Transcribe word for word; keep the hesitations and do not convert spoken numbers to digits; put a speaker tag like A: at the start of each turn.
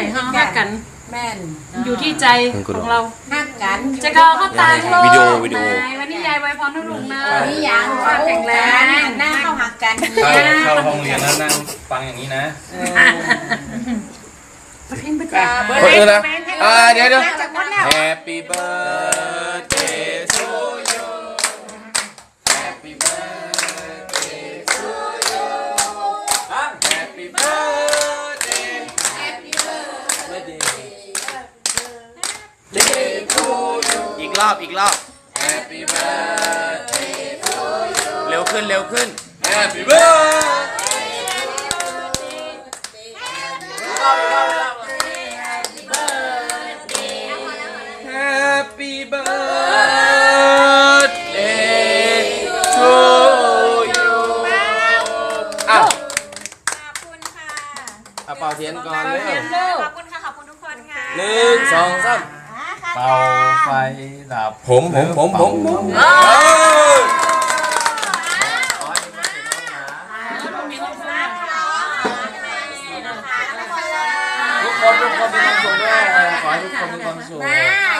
A: ห้องฮักกัน
B: แม่น
A: อยู่ที่ใจของเรา
B: ฮักกัน
A: จะก็เขาตามลูก
C: วิดีโอวิดีโอ
A: วันนี้ยายไว้พรให้ลุงนะ
B: วันนี้ยังความแข็งแรงหน้าเข้าหักกัน
D: เข้าเข้าห้องเรียนแล้วนั่งฟังอย่างนี้นะ
A: ประเพ็ญประ
C: คนอื่นนะอ่าเดี๋ยวเดี๋ยว
B: จากหมดแล้ว
C: Happy birthday to you Happy birthday to you Happy birthday Happy birthday to you อีกรอบอีกรอบ Happy birthday to you เร็วขึ้นเร็วขึ้น Happy birthday Happy birthday to you อ้าว
E: ขอบคุณค่ะ
C: เอาเป่าเทียนก่อนเร็ว
E: ขอบคุณค่ะ ขอบคุณทุกคนค่ะ
C: หนึ่งสองสาม
D: เป่าไฟดับ
C: ผมผมผมผมผม
D: ทุกคนทุกคนมีความสุขด้วยขอให้ทุกคนมีความสุข